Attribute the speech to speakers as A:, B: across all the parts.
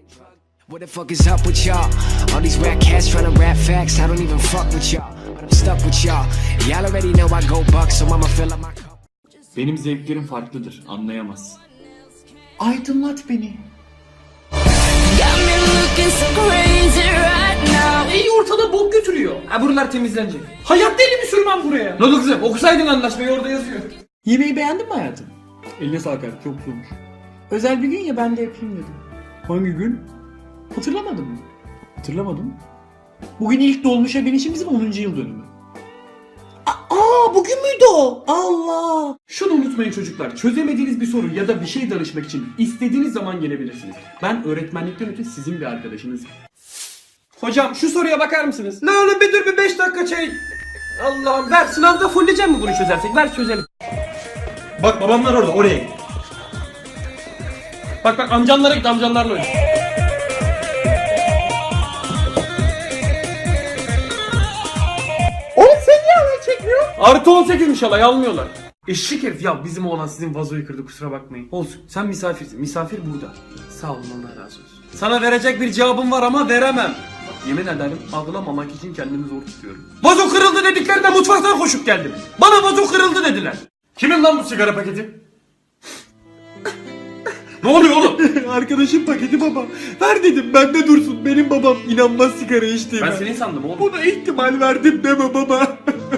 A: What the fuck is up with y'all? All these rap cats tryna rap facts. I don't even fuck with y'all, but I'm stuck with y'all. Y'all already know I go buck, so I'ma fill up my cup.
B: Benim zevklerim farklıdır, anlayamaz. Aydınlat beni.
C: İyi ortada bok götürüyor. Ha buralar temizlenecek. Hayatta elimi sürmem buraya. Ne oldu kızım? Okusaydın anlaşmayı, orada yazıyor.
B: Yemeği beğendin mi hayatım? Eline sağlık hayatım, çok güzelmiş. Özel bir gün ya, ben de yapayım dedim. Hangi gün? Hatırlamadın mı? Hatırlamadım. Bugün ilk dolmuşa binişimizin 10. yıl dönümü. Bugün müydü o? Allah! Şunu unutmayın çocuklar. Çözemediğiniz bir soru ya da bir şey danışmak için istediğiniz zaman gelebilirsiniz. Ben öğretmenlikten öte sizin bir arkadaşınızım.
C: Hocam şu soruya bakar mısınız? Ne oğlum bir dur bir 5 dakika çay. Allah'ım ver, sınavda fulleyeceğim mi bunu çözersek? Ver çözelim. Bak babamlar orada, oraya git. Bak amcanlara git, amcanlarla oyna. Oğlum sen niye alay çekmiyor? Artı 18'miş alay, almıyorlar. Eşek herif ya, bizim oğlan sizin vazoyu kırdı, kusura bakmayın. Olsun, sen misafirsin, misafir burada. Sağ olun, Allah razı olsun. Sana verecek bir cevabım var ama veremem. Yemin ederim ağlamamak için kendimi zor tutuyorum. Vazo kırıldı dediklerinde mutfaktan koşup geldim. Bana vazo kırıldı dediler. Kimin lan bu sigara paketi? Ne oluyor oğlum?
B: Arkadaşım paketi baba. Ver dedim, bende dursun. Benim babam inanmaz sigara içtiğime.
C: Ben seni sandım oğlum.
B: Buna ihtimal verdim deme baba.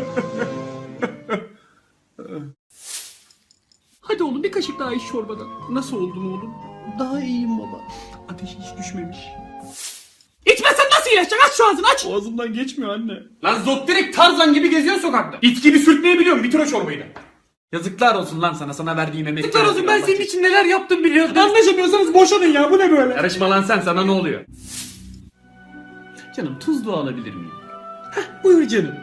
C: Hadi oğlum bir kaşık daha iç çorbadan. Nasıl oldun oğlum?
B: Daha iyiyim baba. Ateşi hiç düşmemiş.
C: İçmezsen nasıl iyileşecek? Aç şu ağzını, aç.
B: Boğazımdan geçmiyor anne.
C: Lan zot direkt Tarzan gibi geziyor sokakta. İt gibi sürtmeyi biliyorum. Bitir o çorbayı da. Yazıklar olsun lan sana verdiğim emek. Yazıklar olsun, ben senin için neler yaptım biliyorsun.
B: Anlaşamıyorsanız boşanın ya, bu ne böyle?
C: Karışma lan sen, sana ne oluyor?
B: Canım tuzlu alabilir miyim?
C: Buyur canım.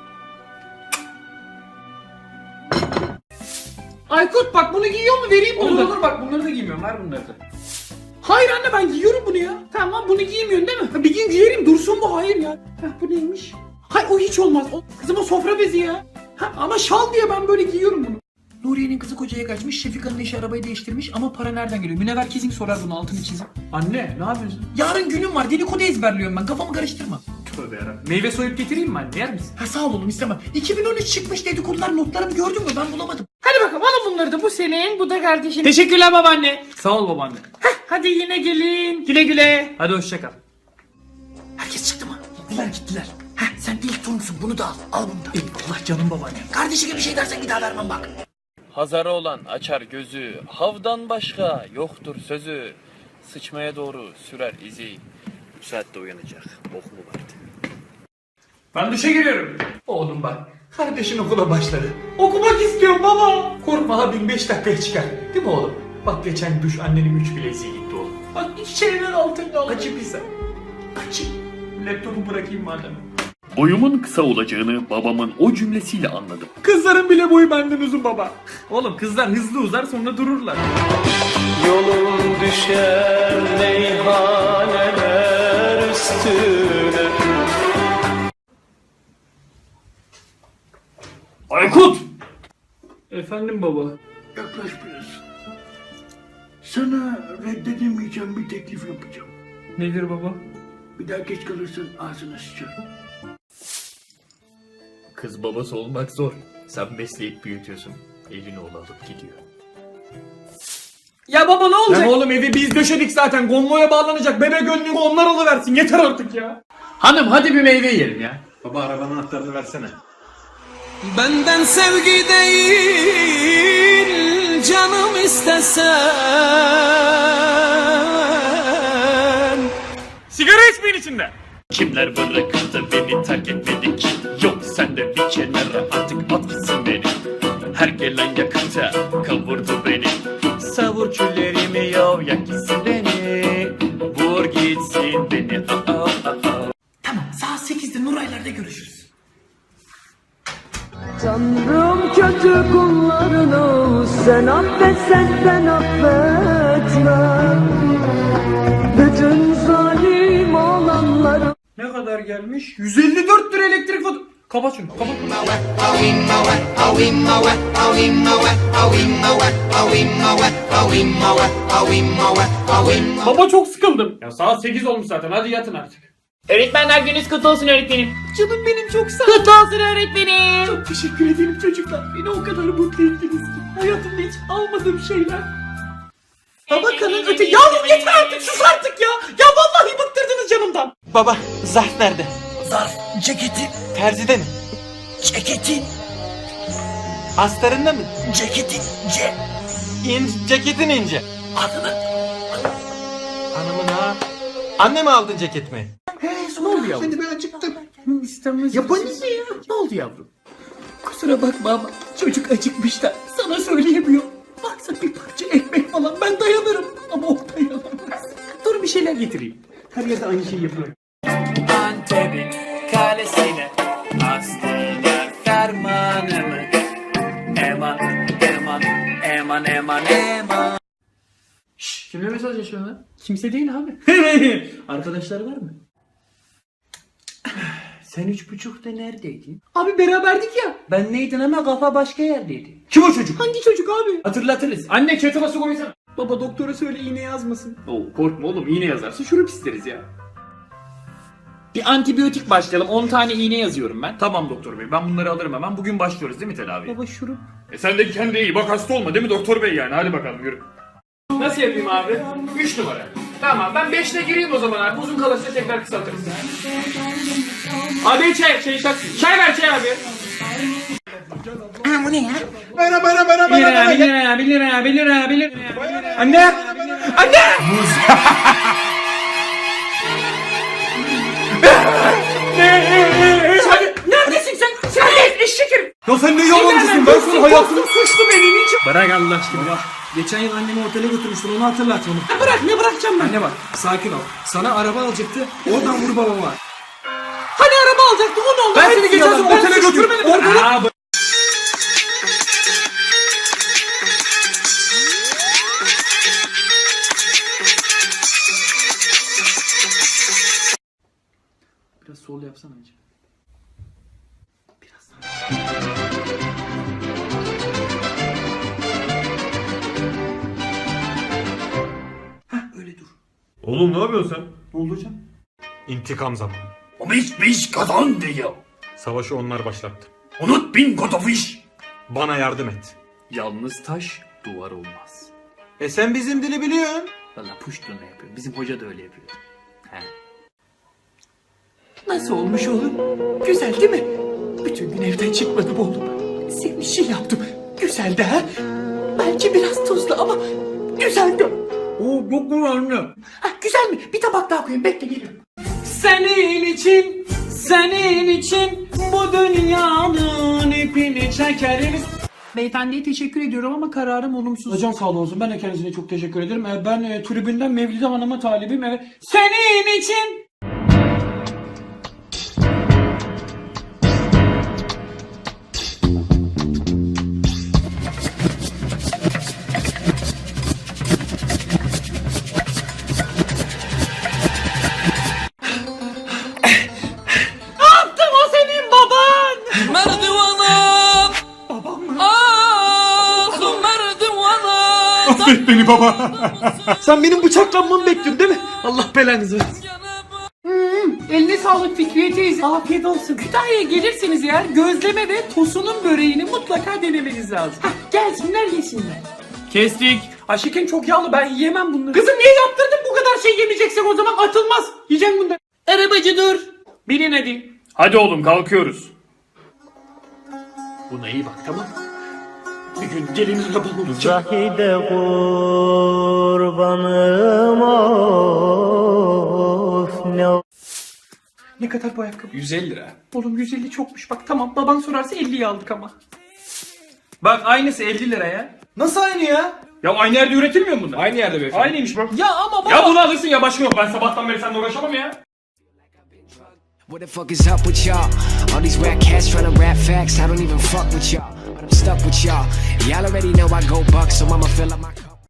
C: Aykut bak bunu giyiyor mu, vereyim bunu da.
B: Olur bak, bunları da giymiyorum, ver bunları da.
C: Hayır anne, ben giyiyorum bunu ya. Tamam, bunu giymiyorsun değil mi? Ha, bir gün giyerim, dursun bu, hayır ya. Heh, bu neymiş? Hayır o hiç olmaz. O, kızım o sofra bezi ya. Ha, ama şal diye ben böyle giyiyorum bunu. Nuriye'nin kızı kocaya kaçmış, Şefika'nın eşi arabayı değiştirmiş ama para nereden geliyor? Münevver kesin sorar bunu, altını çizim.
B: Anne ne yapıyorsun?
C: Yarın günüm var, dedikodu ezberliyorum ben, kafamı karıştırma.
B: Tövbe yarabbim.
C: Meyve soyup getireyim mi anne, yer misin? Ha sağ ol oğlum, istemem. 2013 çıkmış dedikodular, notlarımı gördün mü, ben bulamadım. Hadi bakalım alın bunları da, bu senin, bu da kardeşin. Teşekkürler babaanne.
B: Sağ ol babaanne.
C: Hadi yine gelin. Güle güle. Hadi hoşça kal. Herkes çıktı mı? Gittiler. Heh, sen de ilk torunsun, bunu da al. Al bunu da.
B: Allah canım babaanne.
C: Kardeşine bir şey dersen bir daha vermem bak.
D: Hazarı olan açar gözü, havdan başka yoktur sözü. Sıçmaya doğru sürer izi, bu saatte uyanacak, bok mu vardı?
C: Ben duşa giriyorum. Oğlum bak, kardeşin okula başladı. Okumak istiyorum baba. Korkma abim 5 dakikaya çıkar. Değil mi oğlum? Bak geçen duş annenin 3 bileziği gitti oğlum. Bak şeyler altında oğlum. Kaçayım pizza. Kaçayım. Laptopu bırakayım madem.
D: Boyumun kısa olacağını babamın o cümlesiyle anladım.
C: Kızların bile boyu benden uzun baba. Oğlum kızlar hızlı uzar sonra dururlar.
E: Yolum düşer meyhaneler üstüne.
C: Aykut! Efendim baba.
F: Yaklaş biraz. Sana reddedemeyeceğim bir teklif yapacağım.
C: Nedir baba?
F: Bir daha geç kalırsan ağzına sıçarım.
D: Kız babası olmak zor. Sen besleyip büyütüyorsun. Elini oğlu alıp gidiyor.
C: Ya baba ne olacak? Lan oğlum evi biz döşedik zaten. Gonmoya bağlanacak. Bebe gönlünü onlar alıversin. Yeter artık ya. Hanım hadi bir meyve yiyelim ya.
B: Baba arabanın anahtarını versene.
E: Benden sevgi değil canım istesen.
C: Sigara içmeyin içinde.
D: Kimler bırakıp da beni terk etmedi ki? Yok sen de bir kenara artık at gitsin beni. Her gelen yakıta kavurdu beni. Savur küllerimi yav yak gitsin beni. Vur gitsin beni.
C: Tamam saat 8'de Nuraylar'da görüşürüz.
G: Tanrım kötü kullarını sen affetsen ben affetmem. Bütün zalim olanları.
C: Ne kadar gelmiş? 154 lira elektrik faturası. Kapat şunu. Kapat. Baba çok sıkıldım. Ya saat 8 olmuş zaten. Hadi yatın artık.
H: Öğretmenler gününüz kutlu olsun öğretmenim.
B: Canım benim çok sağ ol.
H: Kutlu olsun öğretmenim.
B: Çok teşekkür ederim çocuklar. Beni o kadar mutlu ettiniz ki. Hayatımda hiç almadığım şeyler. Tabakanın öte... Yavrum yeter artık, sus artık ya. Ya vallahi bıktırdınız canımdan.
I: Baba, zarf nerede?
F: Zarf, ceketin,
I: Terzide mi?
F: ceketin,
I: Astarında mı?
F: ceketin,
I: Ceketin ince.
F: adını.
I: Hanımın ha. Anne mi aldın ceketimi?
B: Ne oldu yavrum? Hadi ben acıktım. İstemez. Yapayım mı ya? Ne oldu yavrum? Kusura bakma ama çocuk acıkmış da sana söyleyemiyor. Varsa bir parça ekmek falan ben dayanırım ama o dayanamaz. Dur bir şeyler getireyim. Her yerde aynı şeyi yapıyor.
C: Antep'in kalesine astılar fermanımı. Eman, eman, eman, eman, eman. Şşş, kimle mesaj yaşıyorsun lan?
B: Kimse değil abi. Arkadaşları var mı?
F: Sen 3.30'da neredeydin?
B: Abi beraberdik ya.
F: Ben neydin ama kafa başka yerdeydi.
C: Kim o çocuk?
B: Hangi çocuk abi?
C: Hatırlatırız. Anne çatıma su koysana.
B: Baba doktora söyle iğne yazmasın.
C: Oo, korkma oğlum, iğne yazarsa şurup isteriz ya.
H: Bir antibiyotik başlayalım. 10 tane iğne yazıyorum ben.
C: Tamam doktor bey, ben bunları alırım hemen. Bugün başlıyoruz değil mi tedaviye?
B: Baba şurup.
C: Sen de kendine iyi bak, hasta olma değil mi doktor bey yani? Hadi bakalım yürü. Nasıl yapayım abi? 3 numara. Tamam, ben 5'le gireyim o zaman abi. Uzun kalırsa tekrar kısaltırız. Abi çay şak. Çay ver çay abi.
H: Bu ne ya?
C: 1 lira. Anne! Anne!
B: Neredesin sen? Sen de eşek herif.
C: Ya sen ne yalancısın? Ben sana hayatımı...
B: Suçlu benim için.
C: Bırak Allah aşkına ya. Geçen yıl annemi otele götürmüştün, onu hatırlat onu.
B: Bırak ne bırakacağım ben?
C: Anne bak, sakin ol. Sana araba alacaktı, oradan vur babama.
B: Hani araba alacaktı o ne oldu?
C: Ben seni geçen sene otele götürmedim. Orada...
B: Biraz sol yapsana önce. Biraz öyle dur.
J: Oğlum ne yapıyorsun sen?
B: Ne oldu hocam?
J: İntikam zamanı.
F: O biz kazandı ya.
J: Savaşı onlar başlattı.
F: Unut bin kotofiş.
J: Bana yardım et.
C: Yalnız taş duvar olmaz.
I: Sen bizim dili biliyorsun.
C: Valla puştunu yapıyor. Bizim hoca da öyle yapıyor. He.
B: Nasıl olmuş oğlum? Güzel değil mi? Bütün gün evden çıkmadım oğlum. Senin için yaptım. Güzeldi ha? Belki biraz tuzlu ama güzeldi.
C: Oo, yok mu anne?
B: Ha, güzel mi? Bir tabak daha koyayım. Bekle geliyorum.
C: Senin için bu dünyanın ipini çekeriz.
B: Beyefendiye teşekkür ediyorum ama kararım olumsuz.
C: Hocam sağ olsun, ben de kendisine çok teşekkür ederim. Ben tribünden Mevlide Hanım'a talibim. Evet. Senin için.
E: Merdivana. Ah merdivana.
J: Affet beni baba.
B: Sen benim bıçaklanmamı bekliyorsun değil mi? Allah belanızı versin. Eline sağlık Fikriye teyze. Afiyet olsun. Kütahya'ya gelirseniz eğer gözleme ve tosunun böreğini mutlaka denemeniz lazım. Hah, gelsinler yesinler.
C: Kestik.
B: Aşıkın çok yağlı, ben yiyemem bunları. Kızım niye yaptırdın bu kadar şey yemeyeceksen o zaman atılmaz. Yiyeceksin bunları. Arabacı dur.
C: Bilin hadi. Hadi oğlum kalkıyoruz.
B: Buna iyi bak tamam mı? Bir gün gelin arabam olacak.
G: Zahide kurbanım of ne
B: Ne kadar bu ayakkabı?
C: 150 lira.
B: Oğlum 150 çokmuş bak tamam baban sorarsa 50'yi aldık ama.
C: Bak aynısı 50 lira ya.
B: Nasıl aynı ya?
C: Ya aynı yerde üretilmiyor mu bunlar? Aynı yerde beyefendi. Aynıymış bak.
B: Ya ama baba.
C: Ya bunu alırsın ya, başka yok. Ben sabahtan beri seninle uğraşamam ya.
A: What the fuck is up with y'all? All these rap cats tryna rap facts, I don't even fuck with y'all. But I'm stuck with y'all. Y'all already know I go buck, so I'ma fill up my cup.